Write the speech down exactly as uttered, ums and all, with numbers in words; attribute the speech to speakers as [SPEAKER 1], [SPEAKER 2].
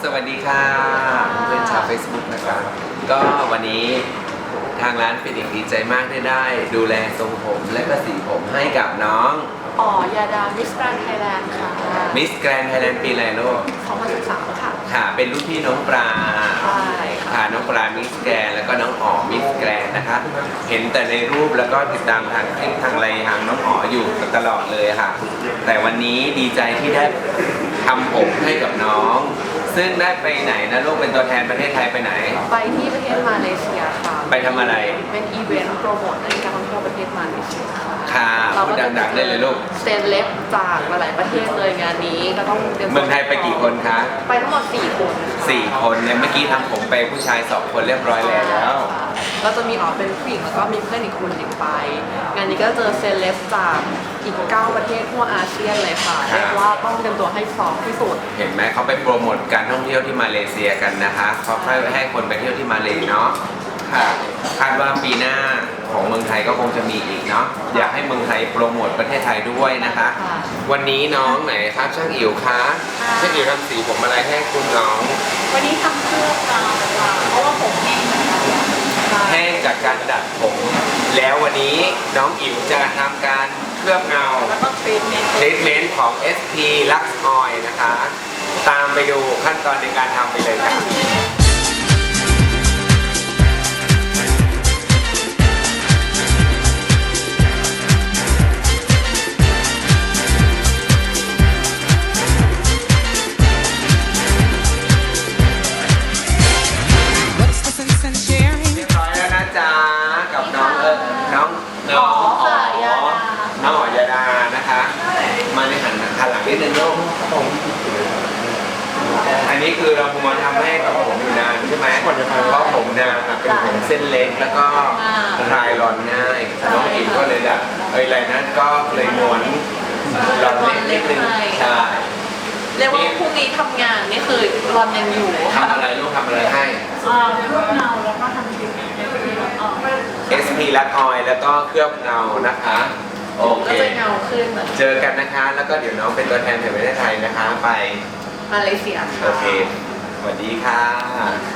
[SPEAKER 1] สวัสดีค่ะเพื่อนชาว Facebook นะครับก็วันนี้ทางร้านฟินิกซ์ดีใจมากที่ได้ดูแลทรงผมและก็สีผมให้กับน้อง
[SPEAKER 2] อ๋อยาดามิสแกรนด์ไทยแลนด์ค่ะ
[SPEAKER 1] มิสแกรนด์ไทยแลนด์ปีอะไรลูก
[SPEAKER 2] สองพันสิบสามค่ะ
[SPEAKER 1] ค่ะเป็นรุ่นพี่น้องปลา
[SPEAKER 2] ใช่
[SPEAKER 1] ค่ะน้องปลามิสแกรนด์แล้วก็น้องอ๋อมิสแกรนด์นะคะเห็นแต่ในรูปแล้วก็ติดตามทางคลิปทางอะไรทางน้องอ๋ออยู่ตลอดเลยค่ะแต่วันนี้ดีใจที่ได้ทำผมให้กับน้องซึ่งได้ไปไหนนะลูกเป็นตัวแทนประเทศไทยไปไหน
[SPEAKER 2] ไปที่ประเทศมาเลเซียค่ะ
[SPEAKER 1] ไปทำอะไร
[SPEAKER 2] เป็นอีเวนต์โปรโมทในการท่องเที่ยวประเทศมาเลเซียค่ะ
[SPEAKER 1] ค่ะพูดดังๆได้เลยลูก
[SPEAKER 2] เซเลบจากหลายประเทศเลยงานนี้ก็ต้อง
[SPEAKER 1] เมืองไทยไปกี่คนคะ
[SPEAKER 2] ไปทั้งหมดสี่คน
[SPEAKER 1] สี่คนเนี่ยเมื่อกี้ทำผมไปผู้ชายสองคนเรียบร้อยแล้ว
[SPEAKER 2] ก็จะมีอ๋อเป็นผู้หญิงแล้วก็มีเพื่อนอีกคนหนึ่งไปงานนี้ก็เจอเซเลบจากอีกเก้าประเทศทั่วอาเซียนเลยค่ะเรียกว่าต้องเตรียมตัวให้พร้อมที่สุด
[SPEAKER 1] เห็นไหมเขาไปโปรโมทการท่องเที่ยวที่มาเลเซียกันนะคะเขาค่อยให้คนไปเที่ยวที่มาเลเนาะค่ะคาดว่าปีหน้าของเมืองไทยก็คงจะมีอีกเนาะอยากให้เมืองไทยโปรโมทประเทศไทยด้วยนะคะวันนี้น้องไหนครับช่างอิ๋วคะช่างอิ๋วทำสีผมอะไรให้คุณน้อง
[SPEAKER 2] วันนี้ทำเครื่องเงาค่ะเพราะว่าผมแห้ง
[SPEAKER 1] แห้งจากการดัดผมแล้ววันนี้น้องอิ๋วจะทำการเคลือบเงา
[SPEAKER 2] แล้วก็ทรีทเมนต์
[SPEAKER 1] ทรีทเมนต์ของ เอส พี Lux Oil นะคะตามไปดูขั้นตอนในการทำไปเลยค่ะน้องอ๋น้องอ๋อยาดานะคะมาในหันหันหลังนิดนึงลูกอันนี้คือเราพมทำให้กับผมอยู่นานใช่ไหมเพราะผมเนี่ยเป็นผมเส้นเล็กแล้วก็คลายร้อนง่ายน้องอิมก็เลยแบบเอ้ยอะไรนั้นก็เลยม้วนร้อนเล็กนิดนึงใช่
[SPEAKER 2] เรียกว่าพรุ่งนี้ทำงานนี่คือรอนยังอยู่
[SPEAKER 1] ทำอะไรลูกทำอะไรให้
[SPEAKER 2] เคลือบเงาแล้วก็ทำทรีทเมนต์
[SPEAKER 1] เอส พี Lux Oil แล้วก็เคลือบเงานะคะโอเค
[SPEAKER 2] ก็จะเงาขึ้น
[SPEAKER 1] เจอกันนะคะแล้วก็เดี๋ยวน้องเป็นตัวแทนแห่งประเทศไทยนะคะไป
[SPEAKER 2] มาเลเซีย
[SPEAKER 1] โอเคสวัสดีค่ะ